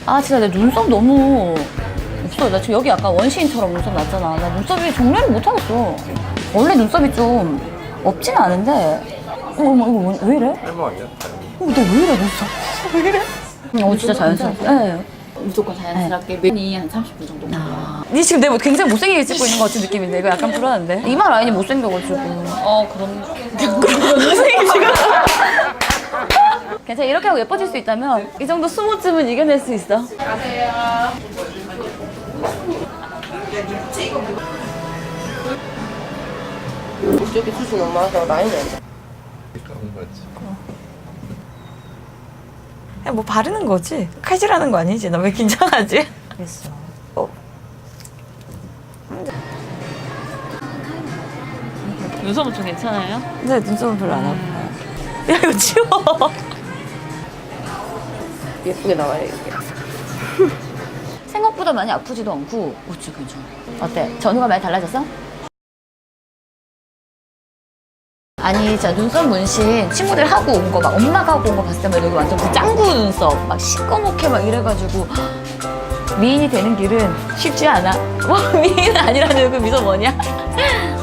아 진짜 내 눈썹 너무 없어. 나 지금 여기 약간 원시인처럼 눈썹 났잖아. 나 눈썹이 정리를 못하겠어. 원래 눈썹이 좀 없지는 않은데 이거 왜 이래? 할머 아니야? 너 왜 이래 눈썹? 왜 이래? 진짜 자연스럽게. 네. 무조건 자연스럽게 면이 한 30분 정도 걸려요. 니 지금 내 굉장히 못생기게 찍고 있는 것 같은 느낌인데 이거 약간 불안한데? 이마 라인이 못생겨가지고. 그럼 괜찮아. 이렇게 하고 예뻐질 수 있다면 이 정도 수모쯤은 이겨낼 수 있어. 이쪽에 숱이 너무 많아서 라인이 안 돼. 그런 거지. 그냥 뭐 바르는 거지? 칼질하는 거 아니지? 나 왜 긴장하지? 됐어. 눈썹은 좀 괜찮아요? 근데 눈썹은 별로 안 아파. 야 이거 치워. 예쁘게 나와요, 이렇게. 생각보다 많이 아프지도 않고 진짜 괜찮아. 어때? 전후가 많이 달라졌어? 아니 진짜 눈썹 문신 친구들 하고 온 거 막 엄마가 하고 온 거 봤을 때만 여기 완전 그 짱구 눈썹 막 시꺼멓게 막 이래가지고 미인이 되는 길은 쉽지 않아. 뭐 미인은 아니라는 그 미소 뭐냐?